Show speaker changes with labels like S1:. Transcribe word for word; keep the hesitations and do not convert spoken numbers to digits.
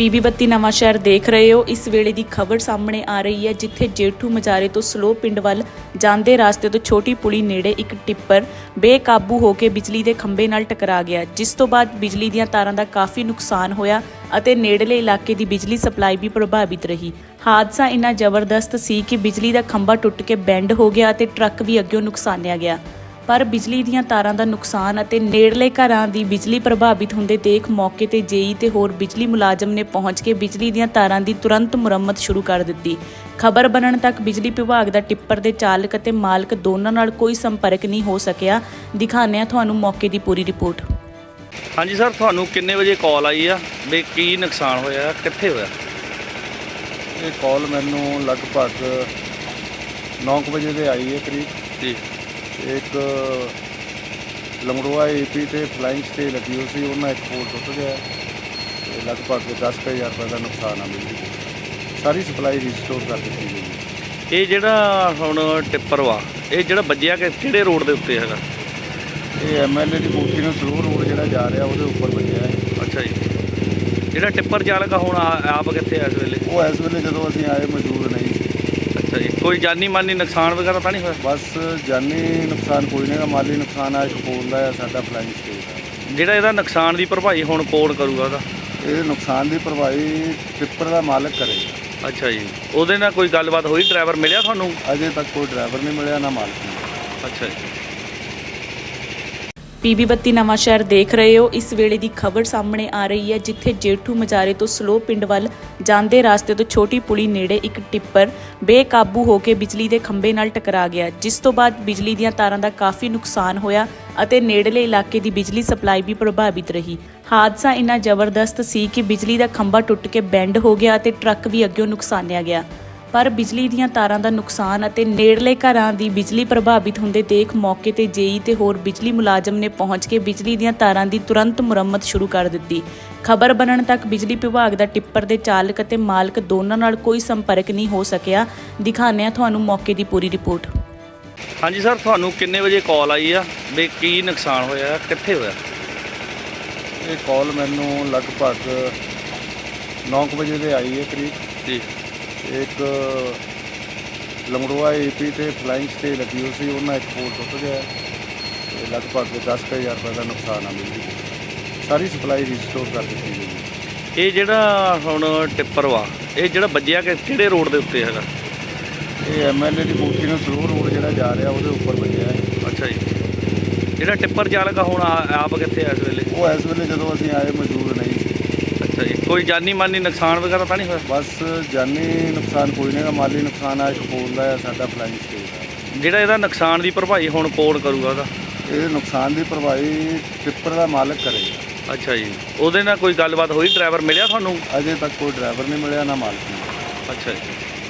S1: PB ਬੱਤੀ ਨਵਾਂ ਸ਼ਹਿਰ ਦੇਖ ਰਹੇ ਹੋ। ਇਸ ਵੇਲੇ ਦੀ ਖਬਰ ਸਾਹਮਣੇ ਆ ਰਹੀ ਹੈ, ਜਿੱਥੇ ਜੇਠੂ ਮਜਾਰੇ ਤੋਂ ਸਲੋ ਪਿੰਡ ਵੱਲ ਜਾਂਦੇ ਰਾਸਤੇ ਤੋਂ ਛੋਟੀ ਪੁਲੀ ਨੇੜੇ ਇੱਕ ਟਿੱਪਰ ਬੇਕਾਬੂ ਹੋ ਕੇ ਬਿਜਲੀ ਦੇ ਖੰਭੇ ਨਾਲ ਟਕਰਾ ਗਿਆ, ਜਿਸ ਤੋਂ ਬਾਅਦ ਬਿਜਲੀ ਦੀਆਂ ਤਾਰਾਂ ਦਾ ਕਾਫੀ ਨੁਕਸਾਨ ਹੋਇਆ ਅਤੇ ਨੇੜਲੇ ਇਲਾਕੇ ਦੀ ਬਿਜਲੀ ਸਪਲਾਈ ਵੀ ਪ੍ਰਭਾਵਿਤ ਰਹੀ। ਹਾਦਸਾ ਇੰਨਾ ਜ਼ਬਰਦਸਤ ਸੀ ਕਿ ਬਿਜਲੀ ਦਾ ਖੰਭਾ ਟੁੱਟ ਕੇ ਬੈਂਡ ਹੋ ਗਿਆ ਅਤੇ ਟਰੱਕ ਵੀ ਅੱਗਿਓਂ ਨੁਕਸਾਨਿਆ ਗਿਆ। ਪਰ ਬਿਜਲੀ ਦੀਆਂ ਤਾਰਾਂ ਦਾ ਨੁਕਸਾਨ ਅਤੇ ਨੇੜਲੇ ਘਰਾਂ ਦੀ ਬਿਜਲੀ ਪ੍ਰਭਾਵਿਤ ਹੁੰਦੇ ਦੇਖ ਮੌਕੇ ਤੇ ਜੇਈ ਤੇ ਹੋਰ ਬਿਜਲੀ ਮੁਲਾਜ਼ਮ ਨੇ ਪਹੁੰਚ ਕੇ ਬਿਜਲੀ ਦੀਆਂ ਤਾਰਾਂ ਦੀ ਤੁਰੰਤ ਮੁਰੰਮਤ ਸ਼ੁਰੂ ਕਰ ਦਿੱਤੀ। ਖਬਰ ਬਣਨ ਤੱਕ ਬਿਜਲੀ ਵਿਭਾਗ ਦਾ ਟਿੱਪਰ ਦੇ ਚਾਲਕ ਅਤੇ ਮਾਲਕ ਦੋਨਾਂ ਨਾਲ ਕੋਈ ਸੰਪਰਕ ਨਹੀਂ ਹੋ ਸਕਿਆ। ਦਿਖਾਉਂਦੇ ਹਾਂ ਤੁਹਾਨੂੰ ਮੌਕੇ ਦੀ ਪੂਰੀ ਰਿਪੋਰਟ।
S2: ਹਾਂਜੀ ਸਰ, ਤੁਹਾਨੂੰ ਕਿੰਨੇ ਵਜੇ ਕਾਲ ਆਈ ਆ ਵੀ ਕੀ ਨੁਕਸਾਨ ਹੋਇਆ, ਕਿੱਥੇ ਹੋਇਆ?
S3: ਇਹ ਕਾਲ ਮੈਨੂੰ ਲਗਭਗ ਨੌ ਕੁ ਵਜੇ ਦੇ ਆਈ ਹੈ ਕਰੀਬ
S2: ਜੀ।
S3: ਇੱਕ ਲੰਗੜੋਆ ਏਪੀ ਤੇ ਫਲਾਈਂਗ ਸਟੇ ਲੱਗੀ ਹੋਈ ਸੀ, ਉਹਨਾਂ ਇੱਕ ਪੋਲ ਟੁੱਟ ਗਿਆ ਤੇ ਲਗਭਗ ਦਸ ਕੁ ਹਜ਼ਾਰ ਰੁਪਏ ਦਾ ਨੁਕਸਾਨ ਆ। ਬਿਜਲੀ ਸਾਰੀ ਸਪਲਾਈ ਰੀਸਟੋਰ ਕਰ ਦਿੱਤੀ ਗਈ।
S2: ਇਹ ਜਿਹੜਾ ਹੁਣ ਟਿੱਪਰ ਵਾ, ਇਹ ਜਿਹੜਾ ਵੱਜਿਆ ਕਿ ਕਿਹੜੇ ਰੋਡ ਦੇ ਉੱਤੇ ਹੈਗਾ?
S3: ਇਹ ਐਮ ਐਲ ਏ ਦੀ ਕੋਠੀ ਨੂੰ ਸਲੋ ਰੋਡ ਜਿਹੜਾ ਜਾ ਰਿਹਾ ਉਹਦੇ ਉੱਪਰ ਵੱਜਿਆ ਹੈ।
S2: ਅੱਛਾ ਜੀ। ਜਿਹੜਾ ਟਿੱਪਰ ਚਾਲਕ ਆ ਹੁਣ ਆ- ਆਪ ਕਿੱਥੇ ਆ ਇਸ ਵੇਲੇ?
S3: ਉਹ ਇਸ ਵੇਲੇ ਜਦੋਂ ਅਸੀਂ ਆਏ ਮੌਜੂਦ ਨਹੀਂ ਸੀ।
S2: ਅੱਛਾ ਜੀ। ਕੋਈ ਜਾਨੀ ਮਾਨੀ ਨੁਕਸਾਨ ਵਗੈਰਾ ਤਾਂ ਨਹੀਂ ਹੋਇਆ?
S3: ਬਸ ਜਾਨੀ ਨੁਕਸਾਨ ਕੋਈ ਨਹੀਂ ਗਾ, ਮਾਲੀ ਨੁਕਸਾਨ ਆ ਇੱਕ ਪੋਲ ਦਾ ਆ ਸਾਡਾ ਫਲਾਈਂਗ ਸਟੇ ਦਾ।
S2: ਜਿਹੜਾ ਇਹਦਾ ਨੁਕਸਾਨ ਦੀ ਭਰਪਾਈ ਹੁਣ ਕੌਣ ਕਰੂਗਾ ਉਹਦਾ?
S3: ਇਹ ਨੁਕਸਾਨ ਦੀ ਭਰਪਾਈ ਟਿੱਪਰ ਦਾ ਮਾਲਕ ਕਰੇਗਾ।
S2: ਅੱਛਾ ਜੀ। ਉਹਦੇ ਨਾਲ ਕੋਈ ਗੱਲਬਾਤ ਹੋਈ? ਡਰਾਈਵਰ ਮਿਲਿਆ ਤੁਹਾਨੂੰ?
S3: ਅਜੇ ਤੱਕ ਕੋਈ ਡਰਾਈਵਰ ਨਹੀਂ ਮਿਲਿਆ, ਨਾ ਮਾਲਕ ਮਿਲਿਆ।
S2: ਅੱਛਾ ਜੀ।
S1: ਪੀਬੀ ਬੱਤੀ ਨਵਾਂ ਸ਼ਹਿਰ ਦੇਖ ਰਹੇ ਹੋ। ਇਸ ਵੇਲੇ ਦੀ ਖਬਰ ਸਾਹਮਣੇ ਆ ਰਹੀ ਹੈ, ਜਿੱਥੇ ਜੇਠੂ ਮਜਾਰੇ ਤੋਂ ਸਲੋ ਪਿੰਡ ਵੱਲ ਜਾਂਦੇ ਰਾਸਤੇ ਤੋਂ ਛੋਟੀ ਪੁਲੀ ਨੇੜੇ ਇੱਕ ਟਿੱਪਰ ਬੇਕਾਬੂ ਹੋ ਕੇ ਬਿਜਲੀ ਦੇ ਖੰਭੇ ਨਾਲ ਟਕਰਾ ਗਿਆ, ਜਿਸ ਤੋਂ ਬਾਅਦ ਬਿਜਲੀ ਦੀਆਂ ਤਾਰਾਂ ਦਾ ਕਾਫੀ ਨੁਕਸਾਨ ਹੋਇਆ ਅਤੇ ਨੇੜਲੇ ਇਲਾਕੇ ਦੀ ਬਿਜਲੀ ਸਪਲਾਈ ਵੀ ਪ੍ਰਭਾਵਿਤ ਰਹੀ। ਹਾਦਸਾ ਇੰਨਾ ਜ਼ਬਰਦਸਤ ਸੀ ਕਿ ਬਿਜਲੀ ਦਾ ਖੰਭਾ ਟੁੱਟ ਕੇ ਬੈਂਡ ਹੋ ਗਿਆ ਅਤੇ ਟਰੱਕ ਵੀ ਅੱਗਿਓਂ ਨੁਕਸਾਨਿਆ ਗਿਆ। ਪਰ ਬਿਜਲੀ ਦੀਆਂ ਤਾਰਾਂ ਦਾ ਨੁਕਸਾਨ ਅਤੇ ਨੇੜਲੇ ਘਰਾਂ ਦੀ ਬਿਜਲੀ ਪ੍ਰਭਾਵਿਤ ਹੁੰਦੇ ਦੇਖ ਮੌਕੇ ਤੇ ਜੇਈ ਤੇ ਹੋਰ ਬਿਜਲੀ ਮੁਲਾਜ਼ਮ ਨੇ ਪਹੁੰਚ ਕੇ ਬਿਜਲੀ ਦੀਆਂ ਤਾਰਾਂ ਦੀ ਤੁਰੰਤ ਮੁਰੰਮਤ ਸ਼ੁਰੂ ਕਰ ਦਿੱਤੀ। ਖਬਰ ਬਣਨ ਤੱਕ ਬਿਜਲੀ ਵਿਭਾਗ ਦਾ ਟਿੱਪਰ ਦੇ ਚਾਲਕ ਅਤੇ ਮਾਲਕ ਦੋਨਾਂ ਨਾਲ ਕੋਈ ਸੰਪਰਕ ਨਹੀਂ ਹੋ ਸਕਿਆ। ਦਿਖਾਉਂਦੇ ਹਾਂ ਤੁਹਾਨੂੰ ਮੌਕੇ ਦੀ ਪੂਰੀ ਰਿਪੋਰਟ।
S2: ਹਾਂਜੀ ਸਰ, ਤੁਹਾਨੂੰ ਕਿੰਨੇ ਵਜੇ ਕਾਲ ਆਈ ਆ ਵੀ ਕੀ ਨੁਕਸਾਨ ਹੋਇਆ, ਕਿੱਥੇ ਹੋਇਆ?
S3: ਇਹ ਕਾਲ ਮੈਨੂੰ ਲਗਭਗ ਨੌ ਕੁ ਵਜੇ ਦੇ ਆਈ ਹੈ ਕਰੀਬ
S2: ਜੀ।
S3: ਇੱਕ ਲੰਗੜੋਆ ਏਪੀ ਤੇ ਫਲਾਈਂਗ ਸਟੇ ਲੱਗੀ ਹੋਈ ਸੀ, ਉਹਨਾਂ ਇੱਕ ਪੋਲ ਟੁੱਟ ਗਿਆ ਤੇ ਲਗਭਗ ਦਸ ਕੁ ਹਜ਼ਾਰ ਰੁਪਏ ਦਾ ਨੁਕਸਾਨ ਆ। ਬਿਜਲੀ ਸਾਰੀ ਸਪਲਾਈ ਰੀਸਟੋਰ ਕਰ ਦਿੱਤੀ ਗਈ।
S2: ਇਹ ਜਿਹੜਾ ਹੁਣ ਟਿੱਪਰ ਵਾ, ਇਹ ਜਿਹੜਾ ਵੱਜਿਆ ਕਿ ਕਿਹੜੇ ਰੋਡ ਦੇ ਉੱਤੇ ਹੈਗਾ?
S3: ਇਹ ਐਮ ਐਲ ਏ ਦੀ ਕੋਠੀ ਨੂੰ ਸਲੋ ਰੋਡ ਜਿਹੜਾ ਜਾ ਰਿਹਾ ਉਹਦੇ ਉੱਪਰ ਵੱਜਿਆ ਹੈ।
S2: ਅੱਛਾ ਜੀ। ਜਿਹੜਾ ਟਿੱਪਰ ਚਾਲਕ ਆ ਹੁਣ ਆ- ਆਪ ਕਿੱਥੇ ਆ ਇਸ ਵੇਲੇ?
S3: ਉਹ ਇਸ ਵੇਲੇ ਜਦੋਂ ਅਸੀਂ ਆਏ ਮੌਜੂਦ ਨਹੀਂ ਸੀ।
S2: ਅੱਛਾ ਜੀ। ਕੋਈ ਜਾਨੀ ਮਾਨੀ ਨੁਕਸਾਨ ਵਗੈਰਾ ਤਾਂ ਨਹੀਂ ਹੋਇਆ?
S3: ਬਸ ਜਾਨੀ ਨੁਕਸਾਨ ਕੋਈ ਨਹੀਂ ਗਾ, ਮਾਲੀ ਨੁਕਸਾਨ ਆ ਇੱਕ ਪੋਲ ਦਾ ਆ ਸਾਡਾ ਫਲਾਈਂਗ ਸਟੇ ਦਾ।
S2: ਜਿਹੜਾ ਇਹਦਾ ਨੁਕਸਾਨ ਦੀ ਭਰਪਾਈ ਹੁਣ ਕੌਣ ਕਰੂਗਾ ਉਹਦਾ?
S3: ਇਹ ਨੁਕਸਾਨ ਦੀ ਭਰਪਾਈ ਟਿੱਪਰ ਦਾ ਮਾਲਕ ਕਰੇਗਾ।
S2: ਅੱਛਾ ਜੀ। ਉਹਦੇ ਨਾਲ ਕੋਈ ਗੱਲਬਾਤ ਹੋਈ? ਡਰਾਈਵਰ ਮਿਲਿਆ ਤੁਹਾਨੂੰ?
S3: ਅਜੇ ਤੱਕ ਕੋਈ ਡਰਾਈਵਰ ਨਹੀਂ ਮਿਲਿਆ, ਨਾ ਮਾਲਕ ਮਿਲਿਆ।
S2: ਅੱਛਾ ਜੀ।